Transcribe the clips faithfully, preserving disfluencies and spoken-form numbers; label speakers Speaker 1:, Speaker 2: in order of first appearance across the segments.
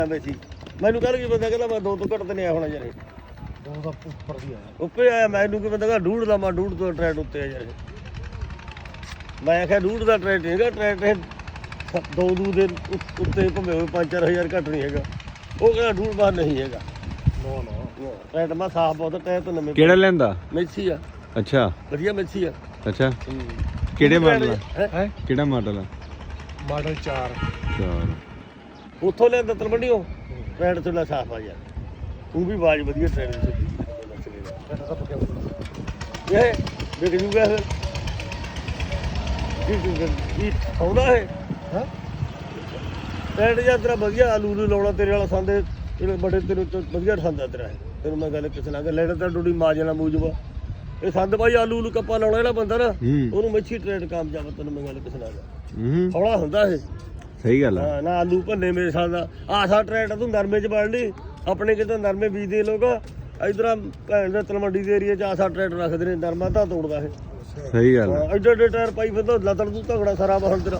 Speaker 1: ਸੀ ਮੈਨੂੰ ਕੱਲ ਕੀ ਬੰਦਾ ਕਹਿੰਦਾ ਮੈਂ ਦੋ ਤੋਂ ਘੱਟ ਤੇ ਨਹੀਂ ਆਇਆ ਹੋਣਾ ਯਾਰ ਇਹ
Speaker 2: ਦੋ ਦਾ ਉੱਪਰ ਦੀ ਆਇਆ
Speaker 1: ਉੱਪਰ ਆਇਆ ਮੈਨੂੰ ਕੀ ਬੰਦਾ ਕਹਿੰਦਾ ਡੂਢ ਦਾ ਮੈਂ ਡੂਢ ਤੋਂ ਟਰੈਟ ਉੱਤੇ ਆ ਯਾਰ ਇਹ ਮੈਂ ਆਖਿਆ ਡੂਢ ਦਾ ਟਰੈਟ ਹੈਗਾ ਟਰੈਟ ਇਹ ਦੋ ਦੂ ਦੇ ਉੱਤੇ ਭੰਵੇਂ ਹੋਏ ਪੰਜ ਚਾਰ ਹਜ਼ਾਰ ਘੱਟ ਨਹੀਂ ਹੈਗਾ ਉਹ ਕਹਿੰਦਾ ਡੂਢ ਬਾਹਰ ਨਹੀਂ ਹੈਗਾ
Speaker 2: ਨੋ ਨੋ
Speaker 1: ਟਰੈਟ ਮੈਂ ਸਾਫ ਬਹੁਤ ਟਾਇਰ ਤੋਂ ਨਵੇਂ
Speaker 3: ਕਿਹੜਾ ਲੈਂਦਾ
Speaker 1: ਮੈਸੀ ਆ
Speaker 3: ਅੱਛਾ
Speaker 1: ਵਧੀਆ ਮੈਸੀ ਆ
Speaker 3: ਅੱਛਾ ਕਿਹੜੇ ਮਾਡਲ ਆ
Speaker 2: ਹੈ
Speaker 3: ਕਿਹੜਾ ਮਾਡਲ ਆ
Speaker 2: ਮਾਡਲ ਚਾਰ
Speaker 3: ਚਾਰ
Speaker 1: ਉੱਥੋਂ ਲਿਆਂਦਾ ਤਲਵੰਡੀਓ ਟਰੈਟ ਤੋਂ ਲੈ ਸਾਫ ਆ ਯਾਰ ਉਹ ਵੀ ਆਵਾਜ਼ ਵਧੀਆ ਟਰੈਟ ਦੀ
Speaker 2: ਬੈਠਾ ਤਾਂ ਪੱਕਿਆ
Speaker 1: ਇਹ ਦੇਖ ਜੂਗਾ ਫਿਰ ਕੀ ਕੀ ਆਉਂਦਾ ਹੈ
Speaker 2: ਹਾਂ
Speaker 1: ਟਰੈਟ ਜਾਂ ਤੇਰਾ ਵਧੀਆ ਆਲੂ ਨੂੰ ਲਾਉਣਾ ਤੇਰੇ ਵਾਲਾ ਸੰਦੇ ਜਿਹੜੇ ਬੜੇ ਤੇਰੇ ਤੋਂ ਵਧੀਆ ਠਾਂਦਾ ਤੇਰਾ ਇਹ ਤੈਨੂੰ ਮੈਂ ਗੱਲ ਕਿਸੇ ਨਾਲ ਲੈਣਾ ਤਾਂ ਡੋਡੀ ਮਾਜਣਾ ਮੂਜਵਾ ਇਹ ਸੰਦ ਭਾਈ ਆਲੂ ਨੂੰ ਕੱਪਾ ਲਾਉਣਾ ਜਿਹੜਾ ਬੰਦਾ ਨਾ ਉਹਨੂੰ ਮੱਛੀ ਟਰੈਟ ਕਾਮਯਾਬ ਤੈਨੂੰ ਮੈਂ ਗੱਲ ਕਿਸੇ ਨਾਲ
Speaker 3: ਹੂੰ
Speaker 1: ਹੌਲਾ ਹੁੰਦਾ ਇਹ
Speaker 3: ਸਹੀ ਗੱਲ ਆ
Speaker 1: ਹਾਂ ਨਾ ਆਲੂ ਭੰਨੇ ਮੇਰੇ ਸਾਲ ਦਾ ਆਸਾ ਟਰੈਟ ਤੂੰ ਨਰਮੇ ਚ ਵੜ ਲਈ ਆਪਣੇ ਕਿਤੇ ਨਰਮੇ ਬੀਜਦੇ ਲੋਕ ਇਧਰ ਭੈਣ ਦੇ ਤਲਵੰਡੀ ਦੇ ਏਰੀਆ ਚ ਆਸਾ ਟਰੈਟ ਰੱਖਦੇ ਨੇ ਨਰਮਾ ਤਾਂ ਤੋੜਦਾ ਇਹ
Speaker 3: ਸਹੀ ਗੱਲ ਆ
Speaker 1: ਐਡੇ ਐਡੇ ਟਾਇਰ ਪਾਈ ਫਿਰਦਾ ਲੱਤੜ ਤੂੰ ਤਗੜਾ ਸਾਰਾ ਬਾਹਰ ਤੇਰਾ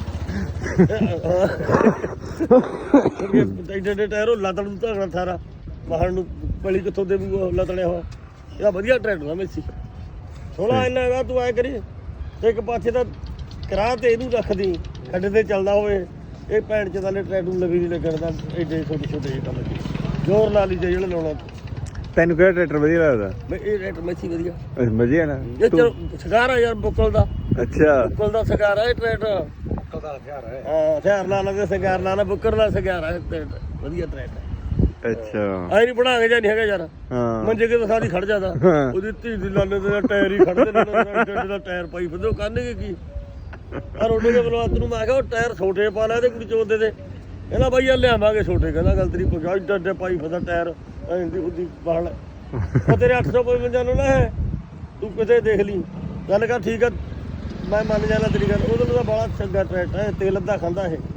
Speaker 1: ਐਡੇ ਐਡੇ ਟਾਇਰ ਉਹ ਲੱਤੜ ਤੂੰ ਤਗੜਾ ਸਾਰਾ ਬਾਹਰ ਨੂੰ ਪਲੀ ਕਿੱਥੋਂ ਦੇਵੂਗਾ ਲੱਤੜਿਆ ਹੋਇਆ ਇਹਦਾ ਵਧੀਆ ਟਰੈਕਟਰ ਆ ਮੇਸੀ ਥੋੜਾ ਇੰਨਾ ਦਾ ਤੂੰ ਐ ਕਰੀ ਇੱਕ ਪਾਸੇ ਤਾਂ ਕਰਾ ਤੇ ਇਹਨੂੰ ਰੱਖਦੀ ਖੱਡੇ ਤੇ ਚੱਲਦਾ ਹੋਵੇ ਇਹ ਭੈਣ ਚ ਥੱਲੇ ਟਰੈਕਟਰ ਨੂੰ ਲਵੀ ਨਹੀਂ ਲੱਗਣ ਦਾ ਐਡੇ ਛੋਟੇ ਛੋਟੇ ਜਿਹੇ ਕੰਮ ਜ਼ੋਰ ਲਾ ਲਈ ਜਿਹੜਾ ਲਾਉਣਾ
Speaker 3: ਤੈਨੂੰ ਕਿਹੜਾ ਟਰੈਕਟਰ ਵਧੀਆ ਲੱਗਦਾ
Speaker 1: ਮੈਂ ਇਹ ਟਰੈਕਟਰ ਮੇਸੀ ਵਧੀਆ
Speaker 3: ਵਧੀਆ ਨਾ
Speaker 1: ਇਹ ਚਲੋ ਸ਼ਿਕਾਰ ਆ ਯਾਰ ਬੁੱਕਲ ਦਾ
Speaker 3: ਅੱਛਾ
Speaker 1: ਬੁੱਕਲ ਦਾ ਸ਼ਿਕਾਰ ਆ ਇਹ ਟਰੈਕਟਰ
Speaker 2: ਕਦਾ ਹਥਿਆਰ ਹੈ
Speaker 1: ਹਾਂ ਹਥਿਆਰ ਲਾ ਲਾ ਸ਼ਿਕਾਰ ਲਾ ਲਾ ਬੁੱਕਰ ਦਾ ਸ਼ਿਕਾਰ ਆ ਟਰੈਕਟਰ ਵਧੀਆ ਟਰੈਕਟਰ
Speaker 3: ਅੱਛਾ
Speaker 1: ਆਈ ਨਹੀਂ ਬਣਾ ਕੇ ਜਾਂ ਨਹੀਂ ਹੈਗਾ ਯਾਰ
Speaker 3: ਹਾਂ
Speaker 1: ਮੰਜੇ ਕੇ ਤਾਂ ਸਾਰੀ ਖੜ ਜਾਂਦਾ ਉਹਦੀ ਧੀ ਦੀ ਲਾਲੇ ਦੇ ਟਾਇਰ ਹੀ ਖੜਦੇ ਨੇ ਜਿਹੜਾ ਟਾਇਰ ਪਾਈ ਫਿਰਦੇ ਉਹ ਕਰਨਗੇ ਕੀ ਆ ਰੋਡੇ ਦੇ ਬਲਵਾਤ ਨੂੰ ਮੈਂ ਕਿਹਾ ਉਹ ਟਾਇਰ ਛੋਟੇ ਪਾ ਲੈ ਤੇ ਕੁੜੀ ਚੋਦੇ ਤੇ ਕਹਿੰਦਾ ਬਾਈ ਆ ਲਿਆਵਾਂਗੇ ਛੋਟੇ ਕਹਿੰਦਾ ਗੱਲ ਤੇਰੀ ਪਹੁੰਚਾ ਡੱਡੇ ਪਾਈ ਫਿਰਦਾ ਟਾਇਰ ਐਂਦੀ ਉਹਦੀ ਬਾਹਲ ਉਹ ਤੇਰੇ ਅੱਠ ਸੌ ਪਚਵੰਜਾ ਨੂੰ ਨਾ ਹੈ ਤੂੰ ਕਿਤੇ ਦੇਖ ਲਈ ਗੱਲ ਕਰ ਠੀਕ ਆ ਮੈਂ ਮੰਨ ਜਾਣਾ ਤੇਰੀ ਗੱਲ ਉਹਦੇ ਨਾਲ ਬੜਾ ਚੰਗਾ ਟਰੈਕਟਰ ਹੈ ਤੇਲ ਅੱਧਾ ਖਾਂਦਾ ਇਹ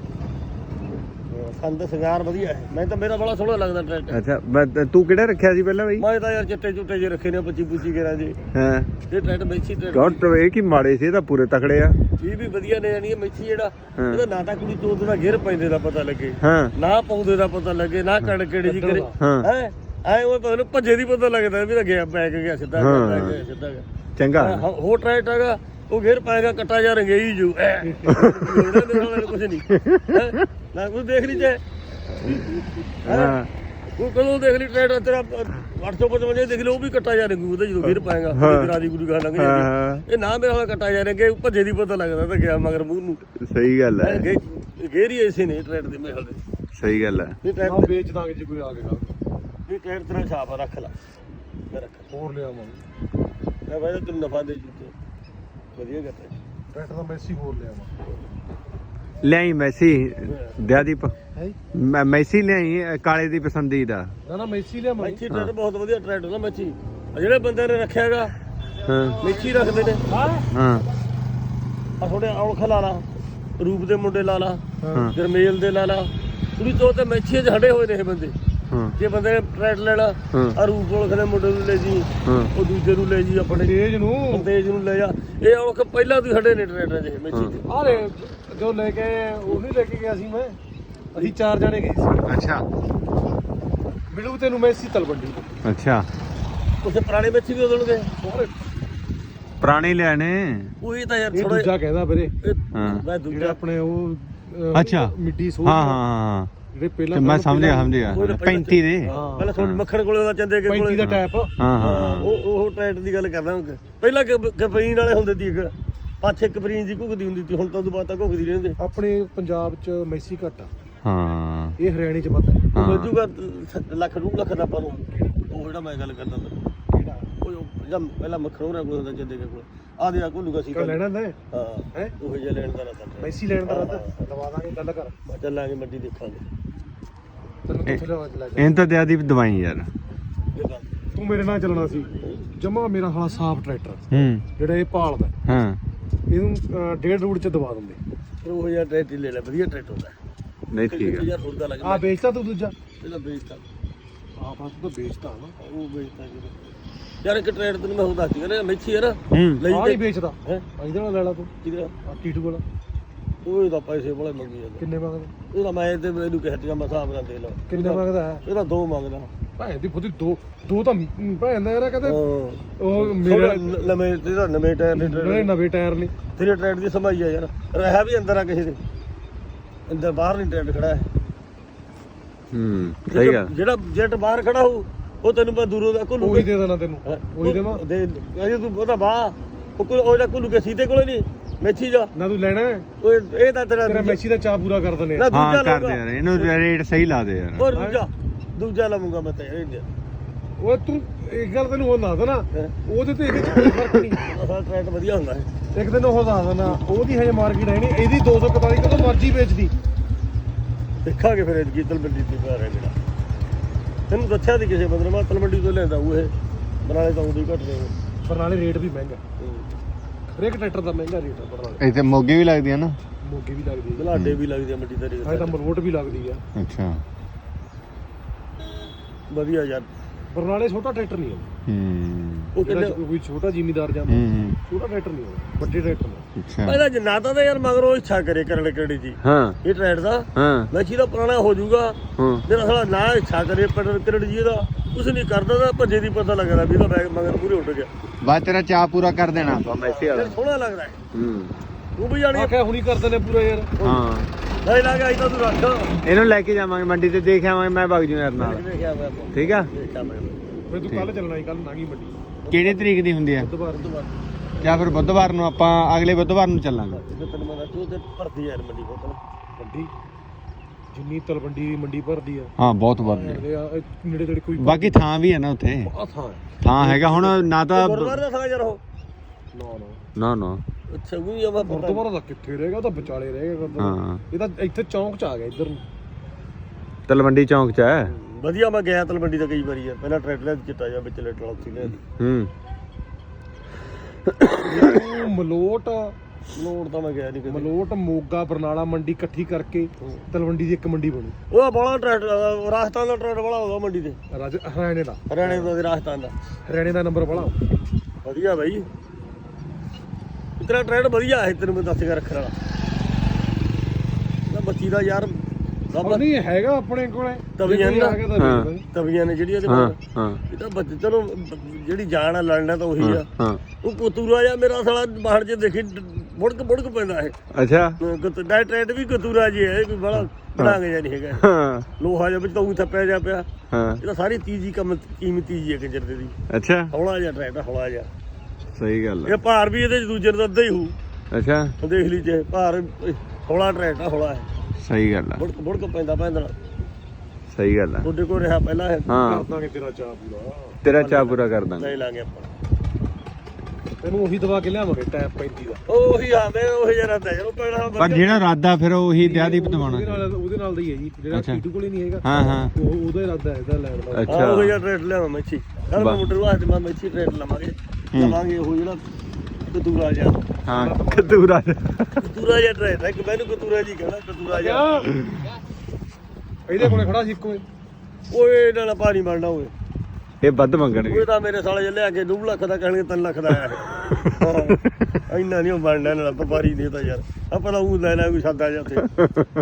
Speaker 1: ਸੰਦ ਸ਼ਿੰਗਾਰ ਵਧੀਆ ਹੈ ਮੈਂ ਤਾਂ ਮੇਰਾ ਬੜਾ ਸੋਹਣਾ ਲੱਗਦਾ ਟਰੈਕਟਰ
Speaker 3: ਅੱਛਾ ਮੈਂ ਤੂੰ ਕਿਹੜਾ ਰੱਖਿਆ ਸੀ ਪਹਿਲਾਂ ਬਈ
Speaker 1: ਮੈਂ ਤਾਂ ਯਾਰ ਚਿੱਟੇ ਚੁੱਟੇ ਜੇ ਰੱਖੇ ਨੇ ਪੱਚੀ ਪੁੱਚੀ ਗੇਰਾਂ ਜੇ
Speaker 3: ਹਾਂ
Speaker 1: ਇਹ ਟਰੈਕਟਰ ਮੈਚੀ ਟਰੈਕਟਰ
Speaker 3: ਗੌਟ ਇਹ ਕੀ ਮਾੜੇ ਸੀ ਇਹ ਤਾਂ ਪੂਰੇ ਤਕੜੇ ਆ
Speaker 1: ਇਹ ਵੀ ਵਧੀਆ ਨੇ ਜਾਨੀ ਮੈਚੀ ਜਿਹੜਾ ਇਹਦਾ ਨਾ ਤਾਂ ਕੁੜੀ ਚੋਦ ਦਾ ਗਿਰ ਪੈਂਦੇ ਦਾ ਪਤਾ ਲੱਗੇ
Speaker 3: ਹਾਂ
Speaker 1: ਨਾ ਪਾਉਂਦੇ ਦਾ ਪਤਾ ਲੱਗੇ ਨਾ ਕੜ ਕਿਹੜੀ ਜੀ ਕਰੇ ਹੈ ਐ ਉਹ ਪਤਾ ਭੱਜੇ ਦੀ ਪਤਾ ਲੱਗਦਾ ਵੀ ਤਾਂ ਗਿਆ ਬੈਕ ਗਿਆ ਸਿੱਧਾ ਗਿਆ ਸਿੱਧਾ ਗਿਆ
Speaker 3: ਚੰਗਾ
Speaker 1: ਹੋ ਟਰੈਕਟਰ ਹੈਗਾ ਉਹ ਗਿਰ ਪਾਏਗਾ ਕੱਟਾ ਜਾ ਰੰਗੇਈ ਜੂ ਕੁਝ ਨਹੀਂ ਨਾ ਕੁਝ ਦੇਖ ਲਈ ਤੇ
Speaker 3: ਹਾਂ
Speaker 1: ਉਹ ਕਦੋਂ ਦੇਖ ਲਈ ਟਰੈਕਟਰ ਤੇਰਾ ਅੱਠ ਸੌ ਪਚਵੰਜਾ ਦੇਖ ਲਓ ਉਹ ਵੀ ਕੱਟਾ ਜਾ ਰੰਗੂ ਉਹਦਾ ਜਦੋਂ ਗਿਰ ਪਾਏਗਾ ਗਰਾਰੀ ਗੁਰੂ ਗਾ ਲੰਘ ਜਾਂਦੀ ਇਹ ਨਾ ਮੇਰੇ ਨਾਲ ਕੱਟਾ ਜਾ ਰੰਗੇ ਭੱਜੇ ਦੀ ਪਤਾ ਲੱਗਦਾ ਤਾਂ ਗਿਆ ਮਗਰ ਮੂੰਹ ਨੂੰ
Speaker 3: ਸਹੀ ਗੱਲ ਹੈ
Speaker 1: ਗੇਰੀ ਐਸੇ ਨੇ ਟਰੈਕਟਰ ਦੇ ਮੇਰੇ ਦੇ
Speaker 3: ਸਹੀ ਗੱਲ ਹੈ
Speaker 1: ਇਹ
Speaker 2: ਆ
Speaker 1: ਟਰੈਕਟਰ
Speaker 2: ਵੇਚ ਦਾਂਗੇ ਜੇ ਕੋਈ ਆ ਕੇ
Speaker 1: ਇਹ ਟਰੈਕਟਰ ਤੇਰਾ ਛਾਪ ਰੱਖ ਲਾ ਮੈਂ ਰੱਖ
Speaker 2: ਹੋਰ ਲਿਆਵਾਂ
Speaker 1: ਮੈਂ ਭਾਈ ਤੈਨੂੰ ਨਫਾ ਦੇ ਦਿੱਤੇ ਵਧੀਆ ਕਰਦਾ
Speaker 2: ਟਰੈਕਟਰ ਦਾ ਮੈਸੀ ਹੋਰ ਲਿਆਵਾਂ
Speaker 3: ਲਿਆਈ ਮੈਸੀ ਦਿਆਦੀਪ
Speaker 2: ਹੈ
Speaker 3: ਮੈਂ ਮੈਸੀ ਲਿਆਈ ਕਾਲੇ ਦੀ ਪਸੰਦੀਦਾ
Speaker 2: ਨਾ ਨਾ ਮੈਸੀ ਲਿਆਵਾਂ
Speaker 1: ਮੈਚੀ ਟਰੈਕਟਰ ਬਹੁਤ ਵਧੀਆ ਟਰੈਕਟਰ ਦਾ ਮੈਚੀ ਜਿਹੜੇ ਬੰਦੇ ਨੇ ਰੱਖਿਆ ਹੈਗਾ
Speaker 3: ਹਾਂ
Speaker 1: ਮੈਚੀ ਰੱਖਦੇ ਨੇ
Speaker 2: ਹਾਂ
Speaker 3: ਹਾਂ
Speaker 1: ਆ ਥੋੜੇ ਔਲਖ ਲਾ ਲਾ ਰੂਪ ਦੇ ਮੁੰਡੇ ਲਾ ਲਾ
Speaker 3: ਹਾਂ
Speaker 1: ਗਰਮੇਲ ਦੇ ਲਾ ਲਾ ਪੂਰੀ ਤੌਰ ਤੇ ਮੈਚੀਆਂ 'ਚ ਹਟੇ ਹੋਏ ਨੇ ਇਹ ਬੰਦੇ
Speaker 3: ਹਾਂ
Speaker 1: ਜੇ ਬੰਦੇ ਨੇ ਟਰੈਕਟਰ ਲੈਣਾ ਆ ਰੂਪ ਔਲਖ ਦੇ ਮੁੰਡੇ ਨੂੰ ਲੈ ਜੀ
Speaker 3: ਹਾਂ
Speaker 1: ਉਹ ਦੂਜੇ ਨੂੰ ਲੈ ਜੀ ਆਪਣੇ
Speaker 2: ਤੇਜ ਨੂੰ
Speaker 1: ਤੇਜ ਨੂੰ ਲੈ ਜਾ ਇਹ ਔਲਖ ਪਹਿਲਾਂ ਤੋਂ ਹਟੇ ਨੇ ਟਰੈਕਟਰਾਂ 'ਚ ਮੈਚੀ 'ਚ
Speaker 2: ਆਰੇ ਜੋ ਲੈ ਕੇ ਉਹ ਨਹੀਂ ਲੈ ਕੇ ਗਿਆ ਸੀ ਮੈਂ ਅਸੀਂ ਚਾਰ ਜਣੇ ਗਏ ਸੀ
Speaker 3: ਅੱਛਾ
Speaker 2: ਮਿਲੂ ਤੈਨੂੰ ਮੈਸੀ ਤਲਵੰਡੀ ਤੋਂ
Speaker 3: ਅੱਛਾ
Speaker 1: ਉਸੇ ਪੁਰਾਣੇ ਮੈਚੀ ਵੀ ਉਦੋਂ ਗਏ
Speaker 2: ਹੋਰ
Speaker 3: ਪੁਰਾਣੇ ਲਿਆਣੇ
Speaker 1: ਉਹੀ ਤਾਂ ਯਾਰ
Speaker 2: ਇਹ
Speaker 1: ਥੋੜਾ
Speaker 2: ਦੂਜਾ ਕਹਿੰਦਾ ਵੀਰੇ
Speaker 3: ਹਾਂ
Speaker 1: ਮੈਂ
Speaker 2: ਜਿਹੜੇ
Speaker 1: ਦੂਜਾ
Speaker 2: ਆਪਣੇ ਉਹ ਅਹ,
Speaker 3: ਅੱਛਾ।
Speaker 2: ਮਿੱਡੀ ਸੋਹ
Speaker 3: ਹਾਂ ਹਾਂ
Speaker 2: ਜਿਹੜੇ
Speaker 3: ਹਾਂ
Speaker 2: ਪਹਿਲਾਂ
Speaker 3: ਮੈਂ ਸਮਝ ਗਿਆ ਸਮਝ ਗਿਆ ਪੈਂਤੀ ਦੇ
Speaker 1: ਪਹਿਲਾਂ ਤੁਹਾਡੇ ਮੱਖਣ ਕੋਲੇ ਉਹਦਾ ਚੰਦੇ ਕੇ
Speaker 2: ਪੈਂਤੀ
Speaker 1: ਕੋਲੇ
Speaker 2: ਦਾ ਟਾਈਪ
Speaker 3: ਹਾਂ ਹਾਂ
Speaker 1: ਉਹ ਉਹ ਟਰੈਕਟਰ ਦੀ ਗੱਲ ਕਰਦਾ ਹਾਂ ਪਹਿਲਾਂ ਕਪਰੀਨ ਵਾਲੇ ਹੁੰਦੇ ਸੀ ਇੱਕ ਪਾਛੇ ਕਪਰੀਨ ਦੀ ਘੁੱਗਦੀ ਹੁੰਦੀ ਸੀ ਹੁਣ ਤਾਂ ਉਦੋਂ ਬਾਅਦ ਤਾਂ ਘੁੱਗਦੀ ਰਹਿੰਦੇ
Speaker 2: ਆਪਣੇ ਪੰਜਾਬ ਚ ਮੈਸੀ ਘੱਟ ਆ
Speaker 3: ਹਾਂ
Speaker 2: ਇਹ ਹਰਿਆਣੇ ਚ ਵੱਧ ਹੈ
Speaker 1: ਉਹ ਮਿਲਜੂਗਾ ਲੱਖ ਡੂਢ ਲੱਖ ਦਾ ਆਪਾਂ ਨੂੰ ਉਹ ਜਿਹੜਾ ਮੈਂ ਗੱਲ ਕਰਦਾ ਹੁੰਦਾ
Speaker 2: ਕਿਹੜਾ
Speaker 1: ਉਹ ਜਿਹੜਾ ਪਹਿਲਾਂ ਮੱਖਣ ਹੋਰਾਂ ਕੋਲ ਹੁੰਦਾ ਚੰਦੇ ਕੇ ਕੋਲ ਆ ਦੇ ਆ ਘੁੱਲੂਗਾ ਸੀ
Speaker 2: ਕਾ ਲੈਣਾ ਹੁੰਦਾ ਹੈ
Speaker 1: ਹਾਂ
Speaker 2: ਹੈ
Speaker 1: ਉਹ ਜਿਹਾ ਲੈਣ ਦਾ ਰਦਾ
Speaker 2: ਮੈਸੀ ਲੈਣ ਦਾ ਰੱਦ ਲਵਾ ਦਾਂਗੇ ਗੱਲ ਕਰ
Speaker 1: ਚੱਲਾਂਗੇ ਮੰਡੀ ਦੇਖਾਂਗੇ
Speaker 2: ਤੈਨੂੰ ਕਿੱਥੇ ਲਵਾ ਲੈ ਜਾ
Speaker 3: ਇਹਨਾਂ ਤਾਂ ਦਿਆਦੀਪ ਦਵਾਈ ਯਾਰ
Speaker 1: ਇਹ ਗੱਲ
Speaker 2: ਤੂੰ ਮੇਰੇ ਨਾਲ ਚੱਲਣਾ ਸੀ ਜਮਾ ਮੇਰਾ ਹਾਲਾ ਸਾਫ ਟਰੈਕਟਰ
Speaker 3: ਹੂੰ
Speaker 2: ਜਿਹੜਾ ਇਹ ਭਾਲਦਾ
Speaker 3: ਹਾਂ
Speaker 2: ਇਹਨੂੰ ਅਹ, ਡੇਢ ਰੂਟ ਚ ਦਵਾ ਦਿੰਦੇ
Speaker 1: ਫਿਰ ਉਹ ਜਿਹਾ ਟਰੈਕਟਰ ਲੈ ਲੈ ਵਧੀਆ ਟਰੈਕਟਰ ਹੁੰਦਾ
Speaker 3: ਨਹੀਂ ਠੀਕ ਹੈ
Speaker 1: ਯਾਰ ਹੁੰਦਾ
Speaker 2: ਆ
Speaker 1: ਲੱਗਦਾ
Speaker 2: ਵੇਚਤਾ ਤੂੰ ਦੂਜਾ
Speaker 1: ਇਹਦਾ ਵੇਚਤਾ
Speaker 2: ਆ ਬਸ ਤੂੰ ਤਾਂ ਵੇਚਤਾ ਨਾ
Speaker 1: ਉਹ ਵੇਚਤਾ ਜਿਹੜਾ ਯਾਰ ਇੱਕ ਟਰੈਕਟਰ ਤੈਨੂੰ ਮੈਂ ਉਹ ਦੱਸਦੀ ਨਾ ਮੈਚੀ ਯਾਰ
Speaker 3: ਹੂੰ
Speaker 1: ਲਈ
Speaker 2: ਆ ਨਹੀਂ ਵੇਚਦਾ
Speaker 1: ਹੈ
Speaker 2: ਇਹਦੇ ਨਾਲ ਲੈ ਲਾ ਤੂੰ
Speaker 1: ਕਿਹਦਾ
Speaker 2: ਆ ਟੀਟੂ ਵਾਲਾ
Speaker 1: ਉਹ ਇਹਦਾ ਪੈਸੇ ਬੜੇ ਮੰਗੀ ਜਾਂਦਾ
Speaker 2: ਕਿੰਨੇ ਮੰਗਦਾ
Speaker 1: ਇਹਦਾ ਮੈਂ ਤੇ ਮੈਨੂੰ ਕਿਸੇ ਟੀਮ ਹਿਸਾਬ ਨਾਲ ਦੇ ਲਾ
Speaker 2: ਕਿੰਨੇ ਮੰਗਦਾ ਹੈ
Speaker 1: ਇਹਦਾ ਦੋ ਮੰਗਦਾ
Speaker 2: ਭੈਣ ਦੀ ਫੁੱਦੀ ਦੋ ਦੋ ਤਾਂ ਭੈਣ ਦਾ ਯਾਰ ਕਹਿੰਦੇ
Speaker 1: ਹਾਂ
Speaker 2: ਉਹ ਮੇਰੇ
Speaker 1: ਨਵੇਂ ਇਹਦਾ ਨਵੇਂ ਟਾਇਰ ਨੇ
Speaker 2: ਜਿਹੜੇ ਨਵੇਂ ਟਾਇਰ ਨੇ
Speaker 1: ਤੇਰੇ ਟਰੈਕ ਦੀ ਸਮਾਈ ਆ ਯਾਰ ਰਹਿਆ ਵੀ ਅੰਦਰ ਆ ਕਿਸੇ ਦੇ ਅੰਦਰ ਬਾਹਰ ਨਹੀਂ ਟਰੈਕ ਖੜਾ ਹੈ
Speaker 3: ਹੂੰ ਸਹੀ ਗੱਲ
Speaker 1: ਜਿਹੜਾ ਜੈਟ ਬਾਹਰ ਖੜਾ ਹੋ ਉਹ ਤੈਨੂੰ ਮੈਂ ਦੂਰੋਂ ਦਾ ਕੋਲ
Speaker 2: ਉਹੀ ਦੇ ਦੇਣਾ ਤੈਨੂੰ ਉਹੀ ਦੇਵਾਂ
Speaker 1: ਦੇ ਅਜੇ ਤੂੰ ਉਹਦਾ ਬਾਹ ਉਹ ਕੋਲ ਉਹ ਜਾ ਕੋਲ ਕੇ ਸੀਤੇ ਕੋਲੇ ਨਹੀਂ ਮੇਥੀ ਜਾ
Speaker 2: ਨਾ ਤੂੰ ਲੈਣਾ ਹੈ?
Speaker 1: ਉਹ ਇਹ ਤਾਂ ਤੇਰਾ
Speaker 2: ਤੇਰਾ ਮੈਸੀ ਦਾ ਚਾਹ ਪੂਰਾ ਕਰ ਦਨੇ
Speaker 1: ਨਾ
Speaker 3: ਹਾਂ
Speaker 1: ਦੂਜਾ
Speaker 3: ਕਰ ਦੇ
Speaker 1: ਲਊਗਾ
Speaker 3: ਯਾਰ ਇਹਨੂੰ ਰੇਟ ਸਹੀ ਲਾ ਦੇ ਯਾਰ
Speaker 1: ਹੋਰ ਦੂਜਾ ਦੂਜਾ ਲਵਾਂਗਾ ਮੈਂ ਤਾਂ ਇਹ
Speaker 2: ਉਹ ਤੂੰ ਇੱਕ ਗੱਲ ਤੈਨੂੰ ਉਹ ਦੱਸ ਦੇਣਾ ਉਹਦੇ ਤੇ ਇਹਦੇ ਚ ਕੋਈ ਫਰਕ ਨਹੀਂ
Speaker 1: ਅਸਲ ਟਰੈਕ ਵਧੀਆ ਹੁੰਦਾ ਹੈ
Speaker 2: ਇੱਕ ਦਿਨ ਉਹ ਦੱਸ ਦੇਣਾ ਉਹਦੀ ਹਜੇ ਮਾਰਕੀਟ ਹੈ ਨਹੀਂ ਇਹਦੀ ਦੋ ਸੌ ਇਕਤਾਲੀ ਕਦੋਂ ਮਰਜ਼ੀ ਵੇਚਦੀ
Speaker 1: ਦੇਖਾਂਗੇ ਫਿਰ ਇਹ ਤਲ ਮੰਡੀ ਦੀ ਬਾਹਰ ਹੈ ਜਿਹੜਾ ਤੈਨੂੰ ਦੱਸਿਆ ਸੀ ਕਿਸੇ ਬੰਦੇ ਨੇ ਮੈਂ ਤਲ ਮੰਡੀ ਤੋਂ ਲੈਂਦਾ ਉਹ ਇਹ ਬਨਾਲੇ ਤਾਂ ਉਹਦੀ ਘੱਟ ਦੇ
Speaker 2: ਬਰਨਾਲੇ ਰੇਟ ਵੀ ਮਹਿੰਗਾ ਹਰੇਕ ਟਰੈਕਟਰ ਦਾ ਮਹਿੰਗਾ ਰੇਟ ਹੈ ਬਰਨਾਲੇ
Speaker 3: ਇੱਥੇ ਮੋਗੇ ਵੀ ਲੱਗਦੀਆਂ ਨਾ
Speaker 2: ਮੋਗੇ ਵੀ ਲੱਗਦੀ ਹੈ
Speaker 1: ਬਲਾਡੇ ਵੀ ਲੱਗਦੀ ਆ ਮੰਡੀ ਦਾ ਰੇਟ
Speaker 2: ਹਾਂ ਤਾਂ ਮਰੋਟ ਵੀ ਲੱਗਦੀ ਆ
Speaker 3: ਅੱਛਾ
Speaker 1: ਵਧੀਆ ਯਾਰ
Speaker 2: ਬਰਨਾਲੇ ਛੋਟਾ ਟਰੈਕਟਰ ਨਹੀਂ ਹੈ
Speaker 3: ਹੂੰ
Speaker 1: ਉਹ
Speaker 2: ਜਿਹੜਾ
Speaker 1: ਕਹਿੰਦੇ
Speaker 2: ਕੋਈ ਛੋਟਾ ਜ਼ਿਮੀਦਾਰ ਜਾਂਦਾ
Speaker 3: ਹੂੰ ਹੂੰ
Speaker 2: ਛੋਟਾ ਟਰੈਕਟਰ ਨਹੀਂ ਹੈ ਵੱਡੇ ਟਰੈਕਟਰ ਨੇ
Speaker 3: ਅੱਛਾ
Speaker 1: ਪਹਿਲਾਂ ਜਨਾਤਾ ਤਾਂ ਯਾਰ ਮਗਰੋਂ ਇੱਛਾ ਕਰੇ ਕਰਨ ਕਿਹੜੀ ਜੀ
Speaker 3: ਹਾਂ
Speaker 1: ਇਹ ਟਰੈਕ ਦਾ
Speaker 3: ਹਾਂ
Speaker 1: ਮੈਚੀ ਦਾ ਪੁਰਾਣਾ ਹੋ ਜਾਊਗਾ
Speaker 3: ਹਾਂ
Speaker 1: ਮੇਰਾ ਸਾਲਾ ਨਾ ਇੱਛਾ ਕਰੇ ਪਟਰ ਕਿਹੜੀ ਜੀ ਦਾ ਕੁਛ ਨਹੀਂ ਕਰਦਾ ਤਾਂ ਭੱਜੇ ਦੀ ਪਤਾ ਲੱਗਦਾ ਵੀ ਇਹਦਾ ਬੈਗ ਮਗਰ ਪੂਰੇ ਉੱਡ ਗਿਆ
Speaker 3: ਬਾਅਦ ਤੇਰਾ ਚਾਹ ਪੂਰਾ ਕਰ ਦੇਣਾ ਆਪਾਂ ਮੈਸੀ ਵਾਲਾ
Speaker 1: ਯਾਰ ਸੋਹਣਾ ਲੱਗਦਾ ਹੈ
Speaker 3: ਹੂੰ
Speaker 1: ਤੂੰ ਵੀ ਜਾਣੀ
Speaker 2: ਆਖਿਆ ਹੁਣੀ ਕਰਦੇ ਨੇ ਪੂਰਾ ਯਾਰ
Speaker 3: ਹਾਂ
Speaker 1: ਨਹੀਂ ਲੱਗਾ ਇਦਾਂ ਤੂੰ ਰੱਖ
Speaker 3: ਇਹਨੂੰ ਲੈ ਕੇ ਜਾਵਾਂਗੇ ਮੰਡੀ ਤੇ ਦੇਖ ਆਵਾਂਗੇ ਮੈਂ ਵਗ ਜੂ ਯਾਰ ਨਾਲ
Speaker 1: ਦੇਖਿਆ ਮੈਂ
Speaker 3: ਠੀਕ ਆ
Speaker 1: ਦੇਖਿਆ ਮੈਂ
Speaker 2: ਫਿਰ ਤੂੰ ਕੱਲ ਚੱਲਣਾ ਹੀ ਕੱਲ ਨਾਂਗੀ ਮੰਡੀ
Speaker 3: ਕਿਹੜੀ ਤਰੀਕ ਦੀ ਹੁੰਦੀ ਆ
Speaker 2: ਦੁਬਾਰਾ ਦੁਬਾਰਾ
Speaker 3: ਜਾਂ ਫਿਰ ਬੁੱਧਵਾਰ ਨੂੰ ਆਪਾਂ ਅਗਲੇ ਬੁੱਧਵਾਰ ਨੂੰ ਚੱਲਾਂਗੇ
Speaker 1: ਜੇ ਤੈਨੂੰ ਮੈਂ ਦੱਸੂ ਤੇ ਭਰਤੀ ਯਾਰ ਮੰਡੀ ਕੋਲ
Speaker 2: ਮੰਡੀ ਜਿੰਨੀ ਤਲਵੰਡੀ ਦੀ ਮੰਡੀ ਭਰਦੀ ਆ
Speaker 3: ਹਾਂ ਬਹੁਤ ਵੱਧ
Speaker 2: ਇਹਦੇ ਆ ਇਹ ਨੇੜੇ ਤੇੜੇ ਕੋਈ
Speaker 3: ਬਾਕੀ ਥਾਂ ਵੀ ਹੈ ਨਾ ਉੱਥੇ
Speaker 2: ਆ ਥਾਂ ਹੈ।
Speaker 3: ਥਾਂ ਹੈਗਾ ਹੁਣ ਨਾ ਤਾਂ
Speaker 1: ਗੁਰਦੁਆਰੇ ਦਾ ਸਾਲਾ ਯਾਰ ਉਹ
Speaker 2: ਨਾ ਨਾ
Speaker 3: ਨਾ ਨਾ
Speaker 1: ਅੱਛਾ ਵੀ ਆ ਮੈਂ ਪਤਾ
Speaker 2: ਗੁਰਦੁਆਰਾ ਦਾ ਕਿੱਥੇ ਰਹੇਗਾ ਉਹ ਤਾਂ ਵਿਚਾਲੇ ਰਹੇਗਾ ਗੁਰਦੁਆਰਾ
Speaker 3: ਹਾਂ
Speaker 2: ਇਹ ਤਾਂ ਇੱਥੇ ਚੌਂਕ ਚ ਆ ਗਿਆ ਇੱਧਰ ਨੂੰ
Speaker 3: ਤਲਵੰਡੀ ਚੌਂਕ ਚ ਹੈ
Speaker 1: ਵਧੀਆ ਮੈਂ ਗਿਆ ਤਲਵੰਡੀ ਤਾਂ ਕਈ ਵਾਰੀ ਯਾਰ ਪਹਿਲਾਂ ਟਰੈਕਟਰ ਚਿੱਟਾ ਜਾਂ ਵਿੱਚ ਲੈਟਰ ਉੱਥੇ ਲੈ
Speaker 3: ਹੂੰ
Speaker 2: ਉਹ ਮਲੋਟ
Speaker 1: ਲੋੜ ਤਾਂ ਮੈਂ ਗਿਆ ਨਹੀਂ ਕਦੇ
Speaker 2: ਮਲੋਟ ਮੋਗਾ ਬਰਨਾਲਾ ਮੰਡੀ ਇਕੱਠੀ ਕਰਕੇ ਤਲਵੰਡੀ ਦੀ ਇੱਕ ਮੰਡੀ ਬਣੀ
Speaker 1: ਉਹ ਬੜਾ ਟਰੈਕਟਰ ਰਾਜਸਥਾਨ ਦਾ ਟਰੈਕਟਰ ਬੜਾ ਹੋਗਾ ਮੰਡੀ ਤੇ
Speaker 2: ਰਾਜ ਹਰਿਆਣੇ ਦਾ
Speaker 1: ਹਰਿਆਣੇ ਦਾ ਤੇ ਰਾਜਸਥਾਨ ਦਾ
Speaker 2: ਹਰਿਆਣੇ ਦਾ ਨੰਬਰ ਬੜਾ
Speaker 1: ਵਧੀਆ ਬਾਈ ਤੇਰਾ ਟਰੈਕਟਰ ਵਧੀਆ ਹੈ ਤੈਨੂੰ ਮੈਂ ਦੱਸ ਕੇ ਰੱਖਣ ਵਾਲਾ ਨਾ ਬੱਚੀ ਦਾ ਯਾਰ
Speaker 2: ਉਹ ਨਹੀਂ ਹੈਗਾ ਆਪਣੇ ਕੋਲੇ
Speaker 1: ਤਵੀਆਂ
Speaker 2: ਜੇ ਕੋਈ ਆ ਗਿਆ ਤਾਂ
Speaker 3: ਹਾਂ।
Speaker 2: ਵੇਚ ਦਾਂਗੇ।
Speaker 1: ਤਵੀਆਂ ਨੇ ਜਿਹੜੀ ਇਹਦੇ
Speaker 3: ਹਾਂ
Speaker 1: ਕੋਲ
Speaker 3: ਹਾਂ
Speaker 1: ਇਹ ਤਾਂ ਬੱਚੇ ਚਲੋ ਜਿਹੜੀ ਜਾਨ ਆ ਲੜਨਾ ਤਾਂ ਉਹੀ ਆ
Speaker 3: ਹਾਂ
Speaker 1: ਉਹ ਕਤੂਰਾ ਜਾਂ ਮੇਰਾ ਸਾਲਾ ਬਾਹਰ ਚ ਦੇਖੀ ਮੁੜਕ ਮੁੜਕ ਪੈਂਦਾ ਹੈ
Speaker 3: ਅੱਛਾ
Speaker 1: ਕਤੂਰਾ ਟਰੈਕਟਰ ਵੀ ਕਤੂਰਾ ਜੀ ਹੈ ਕੋਈ ਬੜਾ ਬਣਾਂਗ ਜਾਂ ਨਹੀਂ ਹੈਗਾ
Speaker 3: ਹਾਂ
Speaker 1: ਲੋਹਾ ਜਿਹਾ ਵਿੱਚ ਤਾਂ ਉਹ ਥੱਪਿਆ ਜਾ ਪਿਆ
Speaker 3: ਹਾਂ
Speaker 1: ਇਹ ਤਾਂ ਸਾਰੀ ਤੀਜੀ ਕੰਮ ਕੀਮਤੀ ਜੀ ਹੈ ਕੰਜਰ ਦੇ ਦੀ
Speaker 3: ਅੱਛਾ
Speaker 1: ਹੌਲਾ ਜਿਹਾ ਟਰੈਕਟਰ ਹੌਲਾ ਜਿਹਾ
Speaker 3: ਸਹੀ ਗੱਲ
Speaker 1: ਇਹ ਭਾਰ ਵੀ ਇਹਦੇ ਚ ਦੂਜੇ ਦਾ ਅੱਧਾ ਹੀ ਹੋਊ
Speaker 3: ਅੱਛਾ
Speaker 1: ਦੇਖ ਲਈ ਜੇ ਭਾਰ ਹੌਲਾ ਟਰੈਕਟਰ ਹੌਲਾ ਹੈ
Speaker 3: ਸਹੀ ਗੱਲ ਆ
Speaker 1: ਮੁੜਕ ਮੁੜਕ ਪੈਂਦਾ ਪੈਂਦਾ
Speaker 3: ਸਹੀ ਗੱਲ ਆ
Speaker 1: ਤੁਹਾਡੇ ਕੋਲ ਰਿਹਾ ਪਹਿਲਾਂ ਹੈ
Speaker 3: ਹਾਂ
Speaker 2: ਕਰ ਦਾਂਗੇ ਤੇਰਾ ਚਾਹ ਪੂਰਾ
Speaker 3: ਤੇਰਾ ਚਾਹ ਪੂਰਾ ਕਰ ਦਾਂਗੇ
Speaker 1: ਲੈ ਲਾਂਗੇ ਆਪਾਂ
Speaker 2: ਤੈਨੂੰ ਉਹੀ ਦਵਾ ਕੇ ਲਿਆਵਾਂਗੇ ਟੈਪ ਪੈਂਤੀ ਦਾ
Speaker 1: ਉਹੀ ਆ ਮੈਂ ਉਹੀ ਜਰਾ ਤਾਂ ਚਲੋ ਪੈਣਾ
Speaker 3: ਪਰ ਜਿਹੜਾ ਇਰਾਦਾ ਫਿਰ ਉਹੀ ਦਿਹਾਦੀ ਪਤਵਾਣਾ
Speaker 2: ਉਹਦੇ ਨਾਲ ਉਹਦੇ ਨਾਲ ਦਾ ਹੀ ਹੈ ਜੀ ਜਿਹੜਾ
Speaker 3: ਅੱਛਾ।
Speaker 2: ਟੀਟੂ ਕੋਲੇ ਨਹੀਂ ਹੈਗਾ
Speaker 3: ਹਾਂ ਹਾਂ
Speaker 2: ਉਹ ਉਹਦਾ ਇਰਾਦਾ ਹੈ ਇਹਦਾ ਲੈਣ ਦਾ
Speaker 1: ਹਾਂ
Speaker 3: ਅੱਛਾ
Speaker 1: ਉਹੀ ਜਿਹਾ ਟਰੈਕਟਰ ਲਿਆਵਾਂ ਮੈਚੀ ਕੱਲ
Speaker 3: ਵਾਹ।
Speaker 1: ਮੋਟਰ ਵਾਸਤੇ ਮੈਂ ਮੈਚੀ ਟਰੈਕਟਰ ਲਵਾਂਗੇ ਲਵਾਂਗੇ ਉਹ ਜਿਹੜਾ ਕਤੂਰਾ ਜਿਹਾ
Speaker 3: ਹਾਂ ਕਦੂਰਾ
Speaker 1: ਕਤੂਰਾ ਜਿਹਾ ਟਰੈਕਟਰ ਇੱਕ ਮੈਨੂੰ ਕਤੂਰਾ ਜੀ ਕਹਿੰਦਾ ਕਤੂਰਾ ਜਿਹਾ
Speaker 2: ਇਹਦੇ ਕੋਲੇ ਖੜਾ ਸੀ ਇੱਕੋ ਹੀ
Speaker 1: ਓਏ ਇਹਨਾਂ ਨਾਲ ਪਾਣੀ ਬਣਨਾ ਓਏ
Speaker 3: ਇਹ ਵੱਧ ਮੰਗਣਗੇ
Speaker 1: ਉਹ ਤਾਂ ਮੇਰੇ ਸਾਲੇ ਜੇ ਲਿਆ ਕੇ ਦੋ ਲੱਖ ਦਾ ਕਹਿਣਗੇ ਤਿੰਨ ਲੱਖ ਦਾ ਆਇਆ ਇਹ ਇੰਨਾ ਨਹੀਂ ਬਣਨਾ ਇਹਨਾਂ ਦਾ ਵਪਾਰੀ ਦੇ ਤਾਂ ਯਾਰ ਆਪਾਂ ਤਾਂ ਉਹ ਲੈ ਲੈ ਕੋਈ ਸਾਦਾ ਜਿਹਾ ਉੱਥੇ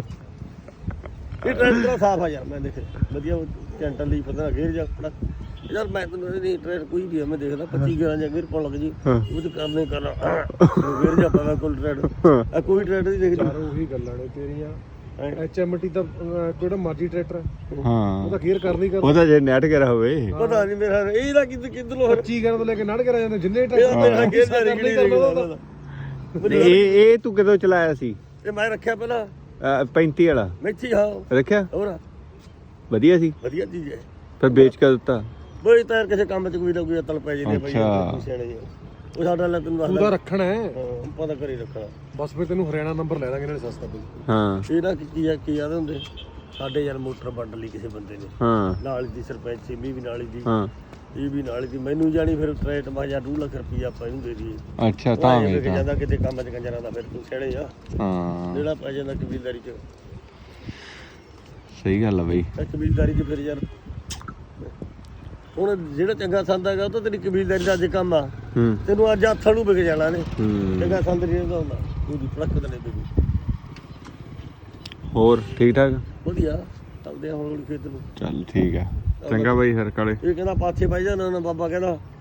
Speaker 1: ਇਹ ਟਰੈਕਟਰ ਸਾਫ ਆ ਯਾਰ ਮੈਂ ਦੇਖੇ ਵਧੀਆ ਕੈਂਟਲ ਲਈ ਪਤਾ ਗੇਰ ਜਾ ਖੜਾ ਯਾਰ ਮੈਂ ਤੈਨੂੰ ਨਹੀਂ ਟਰੈਕਟਰ ਕੋਈ ਵੀ ਆ ਮੈਂ ਦੇਖਦਾ ਪੱਚੀ ਗਰਾਂ ਜਾਂ ਗੇਰ ਪਾਉਣ ਲੱਗ ਜੀ ਉਹ ਤੇ ਕਰਨੇ ਕਰਨਾ ਗੇਰ ਜਾ ਪਾ ਕੋਲ ਟਰੈਕਟਰ ਆ ਕੋਈ ਟਰੈਕਟਰ ਦੀ ਦੇਖ
Speaker 2: ਚਾਰ ਉਹੀ ਗੱਲਾਂ ਨੇ ਤੇਰੀਆਂ ਐਚ ਐਮ ਟੀ ਦਾ ਅਹ, ਕਿਹੜਾ ਮਰਜੀ ਟਰੈਕਟਰ ਹੈ, ਉਹ
Speaker 3: ਹਾਂ
Speaker 2: ਤਾਂ ਗੇਅਰ ਕਰਨੀ ਕਰ
Speaker 3: ਉਹਦਾ ਜੇ ਨੈਟ ਕਰਾ ਹੋਵੇ
Speaker 1: ਪਤਾ ਨਹੀਂ ਮੇਰਾ ਇਹਦਾ ਕਿੱਦ ਕਿੱਧਰੋਂ
Speaker 2: ਪੱਚੀ ਕਰਨ ਤੋਂ ਲੈ ਕੇ ਨੜ ਕਰਾ ਜਾਂਦੇ ਜਿੰਨੇ
Speaker 1: ਇਹਦਾ
Speaker 2: ਟਰੈਕਟਰ
Speaker 1: ਮੇਰਾ ਗੇਰ ਦਾ ਰਿਗੜੀ ਦੇਖਦਾ
Speaker 3: ਇਹ ਇਹ ਤੂੰ ਕਦੋਂ ਚਲਾਇਆ ਸੀ
Speaker 1: ਇਹ ਮੈਂ ਰੱਖਿਆ ਪਹਿਲਾਂ
Speaker 3: ਅਹ ਪੈਂਤੀ ਵਾਲਾ
Speaker 1: ਮੈਚੀ ਹਾਂ
Speaker 3: ਰੱਖਿਆ
Speaker 1: ਹੋਰ
Speaker 3: ਵਧੀਆ ਸੀ
Speaker 1: ਵਧੀਆ ਚੀਜ਼ ਹੈ
Speaker 3: ਫਿਰ ਵੇਚ ਕੇ ਦਿੱਤਾ
Speaker 1: ਬਈ ਤਾਂ ਕਿਸੇ ਕੰਮ 'ਚ ਕੋਈ ਨਾ ਕੋਈ ਅਤਲ ਪੈ ਜਾਂਦੀ ਬਈ
Speaker 3: ਅੱਛਾ।
Speaker 1: ਸਿਆਣੇ ਜਿਹੇ। ਉਹ ਸਾਡਾ ਲੈ ਤੈਨੂੰ
Speaker 2: ਤੂੰ ਤਾਂ
Speaker 1: ਦੱਸਦਾ
Speaker 2: ਰੱਖਣਾ ਹੈ
Speaker 1: ਹਾਂ ਪਤਾ ਕਰੀ ਰੱਖਣਾ
Speaker 2: ਬਸ ਫਿਰ ਤੈਨੂੰ ਹਰਿਆਣਾ ਨੰਬਰ ਲੈ ਦਾਂਗੇ ਨਾਲੇ ਸਸਤਾ ਪਊ
Speaker 3: ਹਾਂ
Speaker 1: ਇਹਦਾ ਕੀ ਕੀ ਆ ਕੀ ਆਦੇ ਹੁੰਦੇ ਸਾਡੇ ਯਾਰ ਮੋਟਰ ਵੰਡ ਲਈ ਕਿਸੇ ਬੰਦੇ ਨੇ
Speaker 3: ਹਾਂ
Speaker 1: ਨਾਲ ਦੀ ਸਰਪੰਚ ਸਿੰਮੀ ਵੀ ਨਾਲ ਦੀ
Speaker 3: ਹਾਂ
Speaker 1: ਇਹ ਵੀ ਨਾਲ ਦੀ ਮੈਨੂੰ ਜਾਣੀ ਫਿਰ ਟਰੇਟ ਮਾ ਜਾਂ ਦੋ ਲੱਖ ਰੁਪਈਆ ਆਪਾਂ ਇਹਨੂੰ ਦੇ ਦਈਏ
Speaker 3: ਅੱਛਾ ਤਾਂ
Speaker 1: ਵੀ
Speaker 3: ਵੀ ਤਾਂ
Speaker 1: ਜਾਂਦਾ ਕਿਤੇ ਕੰਮ 'ਚ ਕੰਜਰਾਂ ਦਾ ਫਿਰ ਤੂੰ ਸਿਆਣੇ ਆ
Speaker 3: ਹਾਂ
Speaker 1: ਜਿਹੜਾ ਪੈ ਜਾਂਦਾ ਕਬੀਲਦਾਰੀ 'ਚ
Speaker 3: ਸਹੀ ਗੱਲ ਆ ਬਈ
Speaker 1: ਇਹ ਕਬੀਲਦਾਰੀ 'ਚ ਫਿਰ ਯਾਰ ਹੁਣ ਜਿਹੜਾ ਚੰਗਾ ਸੰਦ ਹੈਗਾ ਉਹ ਤਾਂ ਤੇਰੀ ਕਬੀਲਦਾਰੀ ਦਾ ਅੱਜ ਕੰਮ ਆ
Speaker 3: ਹੂੰ
Speaker 1: ਤੈਨੂੰ ਅੱਜ ਹੱਥਾਂ ਨੂੰ ਵਿਕ ਜਾਣਾ ਨੇ
Speaker 3: ਹੂੰ
Speaker 1: ਚੰਗਾ ਸੰਦ ਨਹੀਂ ਹੁੰਦਾ ਹੁੰਦਾ ਉਹਦੀ ਫੜਕ ਦਨੇ ਤੇ
Speaker 3: ਹੋਰ ਠੀਕ ਠਾਕ
Speaker 1: ਵਧੀਆ ਚੱਲਦੇ ਆ ਹੁਣ ਖੇਤ ਨੂੰ।
Speaker 3: ਚੱਲ ਠੀਕ ਆ ਚੰਗਾ ਬਾਈ ਫਿਰ ਕਾਲੇ
Speaker 1: ਇਹ ਕਹਿੰਦਾ ਪਾਥੇ ਪਾਈ ਜਾਣਾ ਨਾ ਬਾਬਾ ਕਹਿੰਦਾ